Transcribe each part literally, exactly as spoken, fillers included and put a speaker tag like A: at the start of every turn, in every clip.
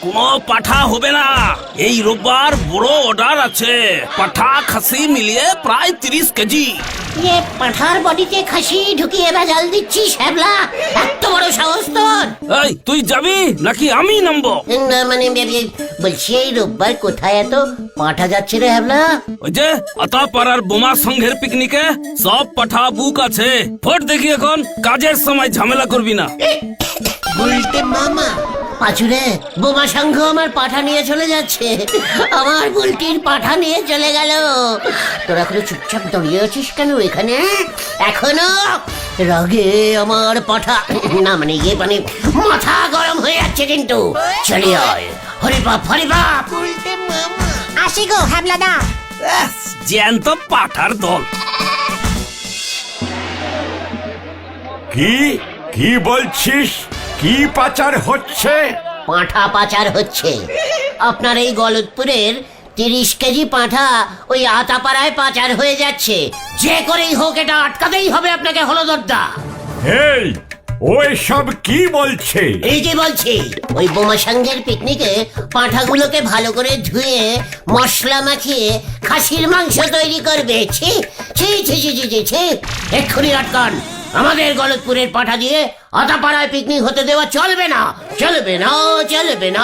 A: কোনো পাঠা হবে না। এই রোববার বড় অর্ডার আছে, পাঠা খাসি মিলিয়ে প্রায় তিরিশ কেজি।
B: ये পাঠার বডিতে খাসি ঢুকিয়ে ভেজাল দিচ্ছিস হ্যাবলা? এত বড় সাহস তোর?
A: এই তুই যাবি নাকি আমি নামবো?
B: না মানে এ- বলছি এই রোববার কোথায় এত পাঠা যাচ্ছে রে হ্যাবলা?
A: ওই যে আতাপাড়ার বোমা সংঘের পিকনিকে সব পাঠা বুক আছে। ভোট দেখি এখন, কাজের সময় ঝামেলা করবি না।
B: উল্টে মামা পাচুরে, বোমা সংঘ আমার পাঠা নিয়ে চলে যাচ্ছে, আমার বুলটির পাঠা নিয়ে চলে গেল। তোরা করে চুপচাপ দাঁড়িয়ে আছিস কেন এখানে এখনো? রাগে আমার পাঠা না মানে ইয়ে মানে মাথা গরম হয়ে যাচ্ছে কিন্তু। চলে আয়, হরি বাপ হরি বাপ। উল্টে মামা আসি গো হ্যাবলাদা।
A: জ্যান্ত পাঠার দল।
C: কি কি বলছিস? কি পাচার হচ্ছে?
B: পাঁঠা পাচার হচ্ছে। আপনার এই গলতপুরের তিরিশ কেজি পাঁঠা ওই আতাপাড়ায় পাচার হয়ে যাচ্ছে। যে করেই হোক এটা আটকাতেই হবে আপনাকে হলদরদা।
C: এই ওই সব কি বলছে?
B: এই যে বলছি, ওই বোমা সংঘের পিকনিকে পাঁঠাগুলোকে ভালো করে ধুয়ে মশলা মাখিয়ে খাসির মাংস তৈরি করবে। ছি ছি ছি ছি ছি ছি ছি এক্ষুনি আটকান। আমাদের গলতপুরের পাঠা দিয়ে আতাপাড়ায় পিকনিক হতে দেওয়া চলবে না, চলবে না, চলবে না।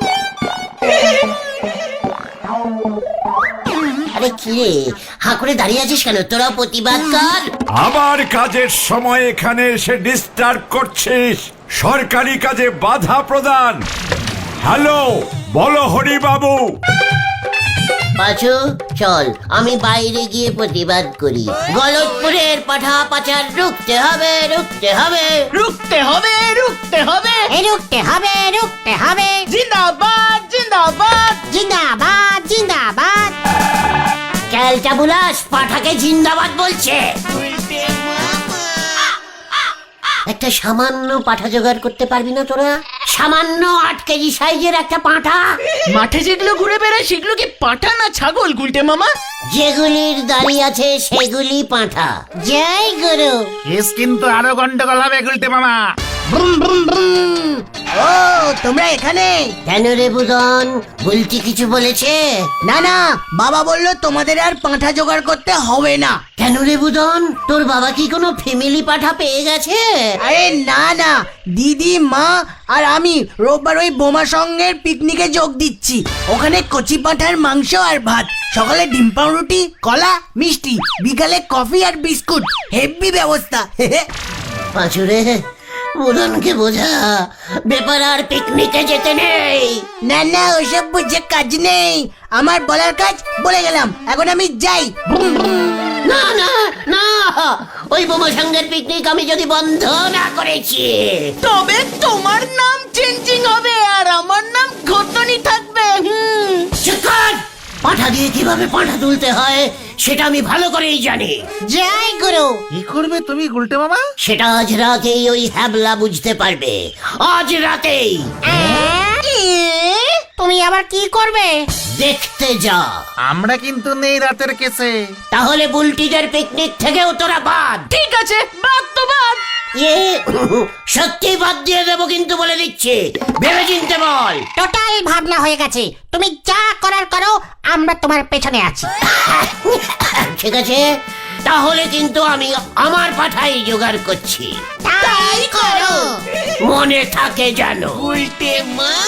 B: আরে কি রে, হাঁ করে দাঁড়িয়ে আছিস কেন? তোরা প্রতিবাদ কর।
C: আমার কাজের সময় এখানে এসে ডিস্টার্ব করছিস, সরকারি কাজে বাধা প্রদান। হ্যালো, বলো হরি বাবু।
B: পাঁচু চল, আমি বাইরে গিয়ে প্রতিবাদ করি। গলতপুরের পাঠা পাচার রুখতে হবে, রুখতে হবে,
D: রুখতে হবে রুখতে হবে
B: রুখতে হবে, রুখতে হবে।
D: জিন্দাবাদ জিন্দাবাদ
B: জিন্দাবাদ জিন্দাবাদ। ক্যালটা বুলাস পাঠাকে জিন্দাবাদ বলছে। একটা সামান্য পাঠা জোগাড় করতে পারবি না তোরা? সামান্য আট কেজি সাইজের একটা পাঁঠা।
D: মাঠে যেগুলো ঘুরে বেড়ায় সেগুলো কি পাঠা না ছাগল গুলটে মামা?
B: যেগুলির দাড়ি আছে সেগুলি পাঁঠা। জয় গুরু।
E: কেস কিন্তু আরো গন্ডগোল হবে গুলটে মামা।
B: ব্রুম ব্রুম ব্রুম।
D: ও তোমরা এখানে?
B: কেন রে বুদন, বলছি কিছু বলেছে?
D: না না, বাবা বললো তোমাদের আর পাঁঠা জোগাড় করতে হবে না।
B: কেন রে বুদন, তোর বাবা কি কোনো ফ্যামিলি পাঠা পেয়ে গেছে?
D: আরে না না, দিদি মা আর আমি রোববার ওই বোমা সঙ্গের পিকনিকে যোগ দিচ্ছি। ওখানে কচি পাঁঠার মাংস আর ভাত, সকালে ডিম পাউরুটি, কলা, মিষ্টি, বিকালে কফি আর বিস্কুট। হেভি ব্যবস্থা।
B: পাঁচুরে, বুদনকে বোঝা ব্যাপার আর পিকনিকে যেতে নেই।
D: না না, ওসব বুঝে কাজ নেই। আমার বলার কাজ বলে গেলাম, এখন আমি যাই।
B: না না না, ওই বোমা সঙ্গের পিকনিক আমি যদি বন্ধ না করেছি
D: তবে তোমার নাম চেঞ্জিং হবে আর আমার নাম ঘটনি থাকবে। হুম,
B: চুপ কর। পাঠা দিয়ে কিভাবে পাঠা তুলতে হয় সেটা আমি ভালো করেই জানি। জয় গুরু।
E: কি করবে তুমি গুলটে মামা?
B: সেটা আজ রাতেই ওই হ্যাবলা বুঝতে পারবে, আজ রাতেই। তুমি আবার কি করবে? দেখতে যা।
E: আমরা কিন্তু নেই রাতের কেসে।
B: তাহলে বুলটিদের পিকনিক থেকেও তোরা বাদ।
D: ঠিক আছে, বাদ তো বাদ।
B: ইয়ে সত্যি বাদ দিয়ে দেবো কিন্তু বলে দিচ্ছি, ভেবে চিনতে বল।
F: টোটাল ভাবনা হয়ে গেছে, তুমি যা করার করো, আমরা তোমার পেছনে আছি।
B: ঠিক আছে, তাহলে কিন্তু আমি আমার পাঠাই জোগাড় করছি।
F: তাই করো।
B: মনে থাকে জানো।
D: উল্টে মা